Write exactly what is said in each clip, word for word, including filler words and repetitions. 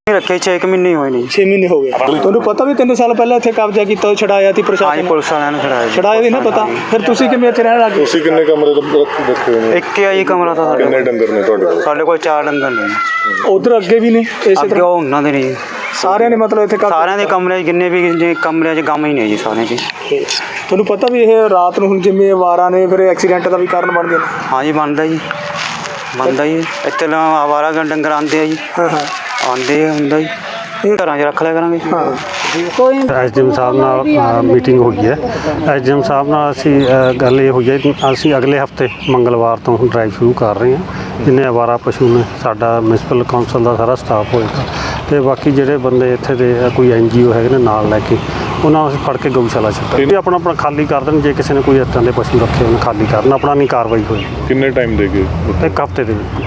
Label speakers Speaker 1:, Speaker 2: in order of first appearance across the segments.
Speaker 1: रखे छे एक महीने हुए नहीं।
Speaker 2: छे महीने हो गए। तुहानू पता भी तीन साल पहले इत्थे कब्जा कीता छड़ाया सी प्रशासन ने?
Speaker 1: पुलिस वालिਆਂ ਨੇ ਛੜਾਇਆ ਜੀ।
Speaker 2: छड़ाया भी ना पता फिर तुसीं किवें इत्थे रहण लग गए?
Speaker 3: ਤੁਸੀਂ ਕਿੰਨੇ ਕਮਰੇ ਰੱਖੇ ਹੋਏ ਨੇ?
Speaker 1: ਇੱਕ ਹੀ ਆ ਜੀ ਕਮਰਾ ਤਾਂ ਸਾਡੇ
Speaker 3: ਕਿੰਨੇ ਡੰਗਰ ਨੇ ਤੁਹਾਡੇ ਕੋਲ?
Speaker 1: ਸਾਡੇ ਕੋਲ ਚਾਰ ਡੰਗਰ ਨੇ।
Speaker 2: उधर अगे भी ने इसे
Speaker 1: ਅੱਗੇ
Speaker 2: तरह
Speaker 1: ਉਹ ਉਹਨਾਂ ਦੇ ਨੇ ਜੀ।
Speaker 2: सारियां ने मतलब इत्थे कब्जा?
Speaker 1: ਸਾਰਿਆਂ ਦੇ ਕਮਰੇ 'ਚ ਜਿੰਨੇ ਵੀ ਜੇ ਕਮਰਿਆਂ 'ਚ ਗਮ ਹੀ ਨੇ ਜੀ ਸਾਰਿਆਂ 'ਚ।
Speaker 2: ਤੁਹਾਨੂੰ ਪਤਾ ਵੀ ਇਹ ਰਾਤ ਨੂੰ ਹੁਣ ਜਿਵੇਂ ਵਾਰਾਂ ਨੇ ਫਿਰ ਐਕਸੀਡੈਂਟ ਦਾ ਵੀ ਕਾਰਨ ਬਣਦੇ ਨੇ?
Speaker 1: ਹਾਂ ਜੀ ਬਣਦਾ ਜੀ ਬਣਦਾ ਜੀ। ਇੱਥੇ ਲਾ ਆਵਾਰਾ ਡੰਗਰ ਆਉਂਦੇ ਆ ਜੀ।
Speaker 2: ਹਾਂ ਹਾਂ
Speaker 1: ਆਉਂਦੇ ਹੁੰਦਾ ਜੀ ਘਰਾਂ 'ਚ ਰੱਖ ਲਿਆ ਕਰਾਂਗੇ।
Speaker 2: ਹਾਂ
Speaker 4: ਕੋਈ ਐਸ ਡੀ ਐਮ ਸਾਹਿਬ ਨਾਲ ਮੀਟਿੰਗ ਹੋਈ ਹੈ। ਐਸ ਡੀ ਐਮ ਸਾਹਿਬ ਨਾਲ ਅਸੀਂ ਗੱਲ ਇਹ ਹੋਈ ਹੈ ਕਿ ਅਸੀਂ ਅਗਲੇ ਹਫਤੇ ਮੰਗਲਵਾਰ ਤੋਂ ਡਰਾਈਵ ਸ਼ੁਰੂ ਕਰ ਰਹੇ ਹਾਂ। ਜਿੰਨੇ ਅਵਾਰਾ ਪਸ਼ੂ ਨੇ ਸਾਡਾ ਮਿਊਨਿਸਪਲ ਕੌਂਸਲ ਦਾ ਸਾਰਾ ਸਟਾਫ ਹੋਏਗਾ ਅਤੇ ਬਾਕੀ ਜਿਹੜੇ ਬੰਦੇ ਇੱਥੇ ਦੇ ਕੋਈ ਐਨ ਜੀ ਓ ਹੈਗੇ ਨੇ ਨਾਲ ਲੈ ਕੇ ਉਹਨਾਂ ਨੂੰ ਅਸੀਂ ਫੜ ਕੇ ਗਊਸ਼ਾਲਾ ਛੱਡਾਂਗੇ। ਆਪਣਾ ਆਪਣਾ ਖਾਲੀ ਕਰ ਦੇਣ, ਜੇ ਕਿਸੇ ਨੇ ਕੋਈ ਇੱਦਾਂ ਦੇ ਪਸ਼ੂ ਰੱਖੇ ਹੋਣ ਖਾਲੀ ਕਰਨ, ਆਪਣਾ ਨਹੀਂ ਕਾਰਵਾਈ ਹੋਈ।
Speaker 3: ਕਿੰਨੇ ਟਾਈਮ ਦੇ ਗਏ?
Speaker 4: ਇੱਕ ਹਫਤੇ ਦੇ ਵਿੱਚ।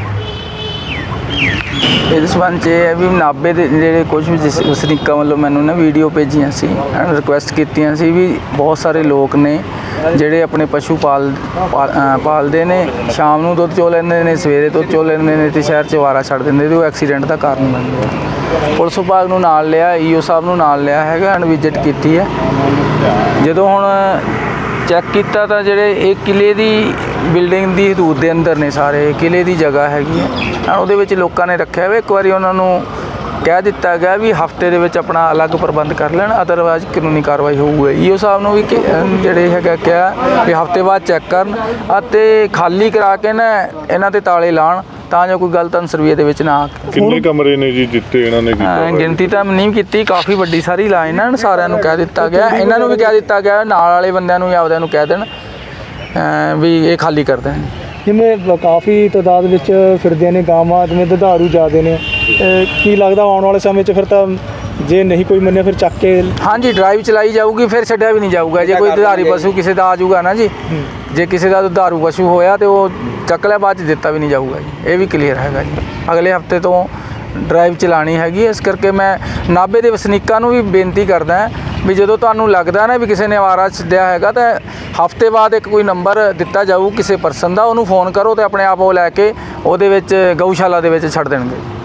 Speaker 5: ਇਹਦੇ ਸੰਬੰਧ 'ਚ ਇਹ ਹੈ ਵੀ ਨਾਭੇ ਦੇ ਜਿਹੜੇ ਕੁਝ ਵੀ ਜਿਸ ਵਸਨੀਕਾਂ ਵੱਲੋਂ ਮੈਨੂੰ ਨਾ ਵੀਡੀਓ ਭੇਜੀਆਂ ਸੀ, ਰਿਕੁਐਸਟ ਕੀਤੀਆਂ ਸੀ ਵੀ ਬਹੁਤ ਸਾਰੇ ਲੋਕ ਨੇ ਜਿਹੜੇ ਆਪਣੇ ਪਸ਼ੂ ਪਾਲ ਪਾਲਦੇ ਨੇ, ਸ਼ਾਮ ਨੂੰ ਦੁੱਧ ਚੋ ਲੈਂਦੇ ਨੇ, ਸਵੇਰੇ ਦੁੱਧ ਚੋ ਲੈਂਦੇ ਨੇ ਅਤੇ ਸ਼ਹਿਰ 'ਚ ਅਵਾਰਾ ਛੱਡ ਦਿੰਦੇ, ਅਤੇ ਉਹ ਐਕਸੀਡੈਂਟ ਦਾ ਕਾਰਨ ਬਣਦੇ ਆ। ਪੁਲਿਸ ਵਿਭਾਗ ਨੂੰ ਨਾਲ ਲਿਆ, ਈ ਓ ਸਾਹਿਬ ਨੂੰ ਨਾਲ ਲਿਆ ਹੈਗਾ, ਐਂਡ ਵਿਜ਼ਿਟ ਕੀਤੀ ਹੈ। ਜਦੋਂ ਹੁਣ ਚੈੱਕ ਕੀਤਾ ਤਾਂ ਜਿਹੜੇ ਇਹ ਕਿਲ੍ਹੇ ਦੀ ਬਿਲਡਿੰਗ ਦੀ ਹਦੂਦ ਦੇ ਅੰਦਰ ਨੇ, ਸਾਰੇ ਕਿਲ੍ਹੇ ਦੀ ਜਗ੍ਹਾ ਹੈਗੀ ਹੈ, ਉਹਦੇ ਵਿੱਚ ਲੋਕਾਂ ਨੇ ਰੱਖਿਆ ਹੋਇਆ। ਇੱਕ ਵਾਰੀ ਉਹਨਾਂ ਨੂੰ ਕਹਿ ਦਿੱਤਾ ਗਿਆ ਵੀ ਹਫ਼ਤੇ ਦੇ ਵਿੱਚ ਆਪਣਾ ਅਲੱਗ ਪ੍ਰਬੰਧ ਕਰ ਲੈਣ, ਅਦਰਵਾਈਜ਼ ਕਾਨੂੰਨੀ ਕਾਰਵਾਈ ਹੋਊਗੀ। ਈ ਓ ਸਾਹਿਬ ਨੂੰ ਵੀ ਜਿਹੜੇ ਹੈਗਾ ਕਿਹਾ ਵੀ ਹਫ਼ਤੇ ਬਾਅਦ ਚੈੱਕ ਕਰਨ ਅਤੇ ਖਾਲੀ ਕਰਾ ਕੇ ਨਾ ਇਹਨਾਂ 'ਤੇ ਤਾਲੇ ਲਾਉਣ ਤਾਂ ਜੋ ਕੋਈ ਗਲਤ ਸਰਵੇ ਦੇ ਵਿੱਚ ਨਾ ਆ।
Speaker 3: ਕਿੰਨੇ ਕਮਰੇ ਨੇ ਜੀ ਜਿੱਤੇ ਇਹਨਾਂ ਨੇ ਕੀਤਾ?
Speaker 5: ਗਿਣਤੀ ਤਾਂ ਨਹੀਂ ਕੀਤੀ, ਕਾਫੀ ਵੱਡੀ ਸਾਰੀ ਲਾਈਨ ਹੈ। ਸਾਰਿਆਂ ਨੂੰ ਕਹਿ ਦਿੱਤਾ ਗਿਆ, ਇਹਨਾਂ ਨੂੰ ਵੀ ਕਹਿ ਦਿੱਤਾ ਗਿਆ, ਨਾਲ ਵਾਲੇ ਬੰਦਿਆਂ ਨੂੰ ਵੀ ਆਪਦਿਆਂ ਨੂੰ ਕਹਿ ਦੇਣ ਵੀ ਇਹ ਖਾਲੀ ਕਰ ਦੇਣ।
Speaker 2: ਜਿਵੇਂ ਕਾਫੀ ਤਾਦਾਦ ਵਿੱਚ ਫਿਰਦੀਆਂ ਨੇ ਗਾਵਾਂ, ਜਿਵੇਂ ਦੁਧਾਰੂ ਜ਼ਿਆਦੇ ਨੇ, ਕੀ ਲੱਗਦਾ ਆਉਣ ਵਾਲੇ ਸਮੇਂ 'ਚ ਫਿਰ ਤਾਂ ਜੇ ਨਹੀਂ ਕੋਈ ਮੰਨਿਆ ਫਿਰ ਚੱਕ ਕੇ?
Speaker 5: ਹਾਂਜੀ, ਡਰਾਈਵ ਚਲਾਈ ਜਾਊਗੀ, ਫਿਰ ਛੱਡਿਆ ਵੀ ਨਹੀਂ ਜਾਊਗਾ। ਜੇ ਕੋਈ ਦੁਧਾਰੀ ਪਸ਼ੂ ਕਿਸੇ ਦਾ ਆ ਜਾਊਗਾ ਨਾ ਜੀ, ਜੇ ਕਿਸੇ ਦਾ ਦੁਧਾਰੂ ਪਸ਼ੂ ਹੋਇਆ ਤਾਂ ਉਹ ਚੱਕ ਲਿਆ, ਬਾਅਦ 'ਚ ਦਿੱਤਾ ਵੀ ਨਹੀਂ ਜਾਊਗਾ ਜੀ। ਇਹ ਵੀ ਕਲੀਅਰ ਹੈਗਾ ਜੀ। ਅਗਲੇ ਹਫਤੇ ਤੋਂ ਡਰਾਈਵ ਚਲਾਉਣੀ ਹੈਗੀ। ਇਸ ਕਰਕੇ ਮੈਂ ਨਾਭੇ ਦੇ ਵਸਨੀਕਾਂ ਨੂੰ ਵੀ ਬੇਨਤੀ ਕਰਦਾ ਵੀ ਜਦੋਂ ਤੁਹਾਨੂੰ ਲੱਗਦਾ ਨਾ ਵੀ ਕਿਸੇ ਨੇ ਅਵਾਰਾ ਛੱਡਿਆ ਹੈਗਾ ਤਾਂ ਹਫ਼ਤੇ ਬਾਅਦ ਇੱਕ ਕੋਈ ਨੰਬਰ ਦਿੱਤਾ ਜਾਊ ਕਿਸੇ ਪਰਸਨ ਦਾ, ਉਹਨੂੰ ਫੋਨ ਕਰੋ ਅਤੇ ਆਪਣੇ ਆਪ ਉਹ ਲੈ ਕੇ ਉਹਦੇ ਵਿੱਚ ਗਊਸ਼ਾਲਾ ਦੇ ਵਿੱਚ ਛੱਡ ਦੇਣਗੇ।